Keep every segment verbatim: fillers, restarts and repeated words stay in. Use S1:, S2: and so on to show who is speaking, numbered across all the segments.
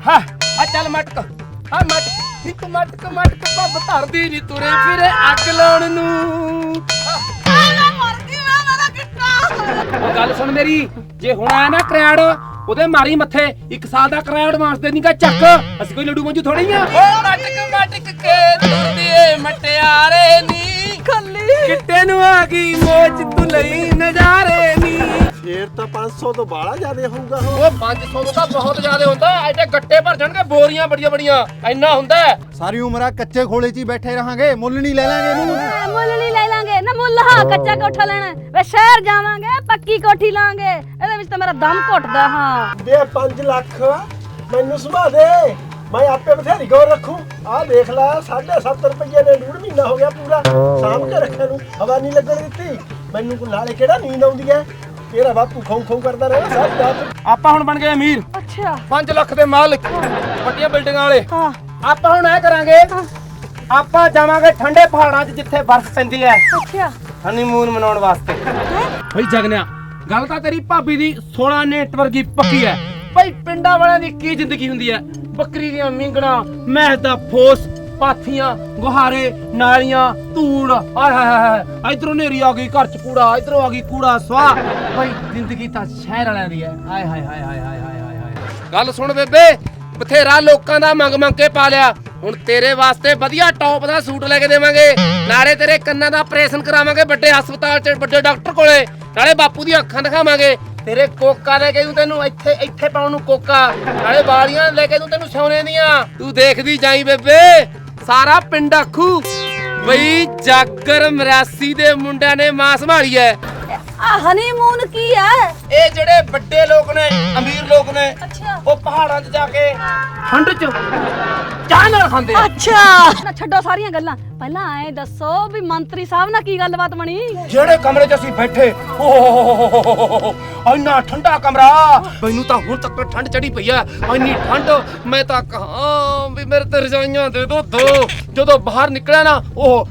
S1: ਹਾਂ ਆ ਚੱਲ ਮਟਕ ਆ ਮਟਕ ਇੱਕ ਮਟਕ ਮਟਕ ਪੱਬ ਧਰਦੀ ਨੀ ਤੁਰੇ ਫਿਰੇ ਅੱਗ ਲਾਉਣ ਨੂੰ। ਉਹ ਗੱਲ ਸੁਣ ਮੇਰੀ, ਜੇ ਹੁਣ ਆਇਆ ਨਾ ਕਰਾੜ ਉਹਦੇ ਮਾਰੀ ਮੱਥੇ ਇੱਕ ਸਾਲ ਦਾ ਕਰਾੜ ਐਡਵਾਂਸ ਦੇ ਨੀਗਾ ਚੱਕ। ਅਸੀਂ ਕੋਈ ਲੱਡੂ ਮੰਜੂ ਥੋੜੀ ਆ। ਓ ਮਟਕ ਮਟਕ ਕੇ ਤੁਰਦੀ ਏ ਮਟਿਆਰੇ ਨੀ ਖੱਲੀ ਕਿੱਟੇ ਨੂੰ ਆ ਗਈ ਮੋਚ ਤੂੰ ਲਈ ਨਜ਼ਾਰੇ ਨੀ।
S2: ਫੇਰ ਤਾਂ ਪੰਜ ਸੌ ਤੋਂ ਬਾਹਲਾ ਜ਼ਿਆਦਾ ਹੋਊਗਾ।
S1: ਉਹ ਪੰਜ ਸੌ ਤੋਂ ਤਾਂ ਬਹੁਤ ਜ਼ਿਆਦਾ ਹੁੰਦਾ। ਐਡੇ ਗੱਟੇ ਭਰ ਜਾਣਗੇ ਬੋਰੀਆਂ ਬੜੀਆਂ ਬੜੀਆਂ ਇੰਨਾ ਹੁੰਦਾ।
S3: ਸਾਰੀ ਉਮਰ ਆ ਕੱਚੇ ਖੋਲੇ 'ਚ ਹੀ ਬੈਠੇ ਰਹਾਂਗੇ, ਮੁੱਲ ਨਹੀਂ ਲੈ ਲਾਂਗੇ ਇਹਨੂੰ।
S4: ਮੁੱਲ ਨਹੀਂ ਲੈ ਲਾਂਗੇ ਨਾ ਮੁੱਲ। ਹਾਂ ਕੱਚਾ ਕੋਠਾ ਲੈਣਾ ਵੇ ਸ਼ਹਿਰ ਜਾਵਾਂਗੇ ਪੱਕੀ ਕੋਠੀ ਲਾਂਗੇ। ਇਹਦੇ ਵਿੱਚ ਤਾਂ ਮੇਰਾ ਦਮ ਘੁੱਟਦਾ। ਹਾਂ
S2: ਦੇ ਪੰਜ ਲੱਖ ਮੈਨੂੰ ਸੁਭਾ ਦੇ, ਮੈਂ ਆਪੇ ਬਥੇਰੀ ਗੌਰ ਰੱਖੂ। ਆਹ ਦੇਖ ਲੈ ਸਾਢੇ ਸੱਤ ਰੁਪਏ ਨੇ ਡੂਢ ਮਹੀਨਾ ਹੋ ਗਿਆ ਪੂਰਾ ਸਾਂਭ ਕੇ ਰੱਖਿਆ ਨੂੰ, ਹਵਾ ਨਹੀਂ ਲੱਗਣ ਦਿੱਤੀ ਮੈਨੂੰ। ਕੋਈ ਨਾਲੇ ਕਿਹੜਾ ਨੀਂਦ ਆਉਂਦੀ ਹੈ, ਤੇਰਾ ਬਾਪੂ ਖਾਉ ਖਾਉ ਕਰਦਾ ਰਹਿਣਾ ਸਾਰੀ ਰਾਤ।
S1: ਆਪਾਂ ਹੁਣ ਬਣ ਗਏ ਅਮੀਰ।
S4: ਅੱਛਾ
S1: ਪੰਜ ਲੱਖ ਦੇ ਮਾਲਕ ਵੱਡੀਆਂ ਬਿਲਡਿੰਗਾਂ ਵਾਲੇ।
S4: ਹਾਂ
S1: ਆਪਾਂ ਹੁਣ ਐ ਕਰਾਂਗੇ, ਆਪਾਂ ਜਾਵਾਂਗੇ ਠੰਡੇ ਪਹਾੜਾਂ 'ਚ ਜਿੱਥੇ ਬਰਫ਼ ਪੈਂਦੀ ਐ
S4: ਅੱਛਾ
S1: ਹਨੀਮੂਨ ਮਨਾਉਣ ਵਾਸਤੇ। ਬਈ ਜਗਨਿਆ ਗੱਲ ਤਾਂ ਤੇਰੀ ਭਾਬੀ ਦੀ ਸੋਲਾਂ ਨੇਟ ਵਰਗੀ ਪੱਕੀ ਐ। ਬਈ ਪਿੰਡਾਂ ਵਾਲਿਆਂ ਦੀ ਕੀ ਜ਼ਿੰਦਗੀ ਹੁੰਦੀ ਐ, ਬੱਕਰੀ ਦੀਆਂ ਮੀਂਗਣਾ, ਮੈਸ ਦਾ ਫੋਸ, ਪਾਥੀਆਂ, ਗੁਹਾਰੇ, ਨਾਲੀਆਂ, ਧੂੜ, ਹਾਏ ਹਾਏ ਹਾਏ ਇਧਰੋਂ ਨੇਰੀ ਆ ਗਈ ਘਰ 'ਚ ਕੂੜਾ, ਇਧਰੋਂ ਆ ਗਈ ਕੂੜਾ ਸਵਾਹ। ਬਈ ਜ਼ਿੰਦਗੀ ਤਾਂ ਸ਼ਹਿਰ ਵਾਲਿਆਂ ਦੀ ਐ। ਹਾਏ ਹਾਏ ਹਾਏ ਹਾਏ ਹਾਏ ਹਾਏ ਹਾਏ। ਗੱਲ ਸੁਣ ਬੇਬੇ, ਬਥੇਰਾ ਲੋਕਾਂ ਦਾ ਮੰਗ ਮੰਗ ਕੇ ਪਾ ਲਿਆ, ਹੁਣ ਤੇਰੇ ਵਾਸਤੇ ਵਧੀਆ ਟੌਪ ਦਾ ਸੂਟ ਲੈ ਕੇ ਦੇਵਾਂਗੇ। ਨਾਲੇ ਤੇਰੇ ਕੰਨਾਂ ਦਾ ਆਪਰੇਸ਼ਨ ਕਰਾਵਾਂਗੇ ਵੱਡੇ ਹਸਪਤਾਲ 'ਚ ਵੱਡੇ ਡਾਕਟਰ ਕੋਲੇ। ਨਾਲੇ ਬਾਪੂ ਦੀਆਂ ਅੱਖਾਂ ਦਿਖਾਵਾਂਗੇ। ਤੇਰੇ ਕੋਕਾ ਲੈ ਕੇ ਦੂੰ ਤੈਨੂੰ ਇੱਥੇ ਇੱਥੇ ਪਾਉਣ ਨੂੰ ਕੋਕਾ। ਨਾਲੇ ਵਾਲੀਆਂ ਲੈ ਕੇ ਦੂੰ ਤੈਨੂੰ ਸੋਨੇ ਦੀਆਂ। ਤੂੰ ਦੇਖਦੀ ਜਾਈ ਬੇਬੇ, ਸਾਰਾ ਪਿੰਡ ਆਖੂ ਬਈ ਜਾਗਰ ਮਰਾਸੀ ਦੇ ਮੁੰਡਿਆਂ ਨੇ ਮਾਂ ਸੰਭਾਲੀ ਐ।
S4: ਆ ਹਨੀਮੂਨ ਕੀ ਹੈ?
S1: ਇਹ ਜਿਹੜੇ ਵੱਡੇ ਲੋਕ ਨੇ, ਅਮੀਰ ਲੋਕ ਨੇ,
S4: ਅੱਛਾ
S1: ਉਹ ਪਹਾੜਾਂ 'ਚ ਜਾ ਕੇ ਠੰਡ 'ਚ ਚਾਹ ਨਾਲ ਖਾਂਦੇ ਆ।
S4: ਅੱਛਾ ਨਾ ਛੱਡੋ ਸਾਰੀਆਂ ਗੱਲਾਂ, ਪਹਿਲਾਂ ਐ ਦੱਸੋ ਵੀ ਮੰਤਰੀ ਸਾਹਿਬ ਨਾਲ ਕੀ ਗੱਲਬਾਤ ਬਣੀ?
S1: ਜਿਹੜੇ ਕਮਰੇ 'ਚ ਅਸੀਂ ਬੈਠੇ, ਓਹ ਇੰਨਾ ਠੰਡਾ ਕਮਰਾ, ਮੈਨੂੰ ਤਾਂ ਹੁਣ ਤੱਕ ਠੰਡ ਚੜੀ ਪਈ ਆ। ਇੰਨੀ ਠੰਡ ਮੈਂ ਤਾਂ ਕਹਾਂ ਵੀ ਮੇਰੇ ਤੇ ਰਜਾਈਆਂ ਦੇ ਦੋ ਦੋ। ਜਦੋਂ ਬਾਹਰ ਨਿਕਲਿਆ ਨਾ ਉਹ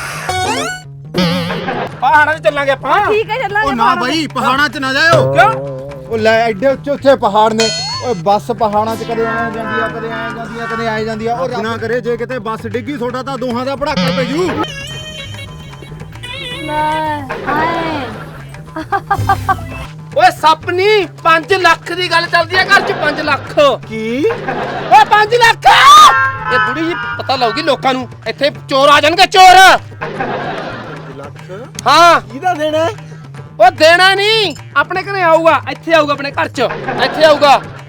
S1: ਪਹਾੜਾਂ 'ਚ ਚੱਲਾਂਗੇ ਆਪਾਂ।
S4: ਠੀਕ ਹੈ ਚੱਲਾਂਗੇ।
S3: ਉਹ ਨਾ ਬਾਈ ਪਹਾੜਾਂ 'ਚ ਨਾ ਜਾਇਓ।
S1: ਕਿਉਂ?
S3: ਉਹ ਲੈ ਐਡੇ ਉੱਚੇ ਉੱਚੇ ਪਹਾੜ ਨੇ। ਓਏ ਬੱਸ ਪਹਾੜਾਂ 'ਚ ਕਦੇ ਆ ਜਾਂਦੀ ਆ, ਕਦੇ ਆ ਜਾਂਦੀ ਆ, ਕਦੇ ਆ ਜਾਂਦੀ ਆ। ਉਹ ਰੱਬ ਨਾ ਕਰੇ ਜੇ ਕਿਤੇ ਬੱਸ ਡਿੱਗੀ ਤੁਹਾਡਾ ਤਾਂ ਦੋਹਾਂ ਦਾ ਪੜਾਕਾ ਪੈ ਜੂ।
S4: ਲੈ ਹਾਏ
S1: ਓਏ ਸੱਪ ਨਹੀਂ, ਪੰਜ ਲੱਖ ਦੀ ਗੱਲ ਚੱਲਦੀ ਆ ਘਰ 'ਚ। ਪੰਜ ਲੱਖ
S2: ਕੀ?
S1: ਓਏ ਪੰਜ ਲੱਖ। ਇਹ ਬੁੜੀ ਜੀ ਪਤਾ ਲਾਉਗੀ ਲੋਕਾਂ ਨੂੰ, ਇੱਥੇ ਚੋਰ ਆ ਜਾਣਗੇ ਚੋਰ।
S2: ਲੱਖ
S1: ਹਾਂ
S2: ਕਿਹਦਾ ਦੇਣਾ?
S1: ਉਹ ਦੇਣਾ ਨਹੀਂ, ਆਪਣੇ ਘਰੇ ਆਊਗਾ, ਇੱਥੇ ਆਊਗਾ, ਆਪਣੇ ਘਰ 'ਚ ਇੱਥੇ ਆਊਗਾ।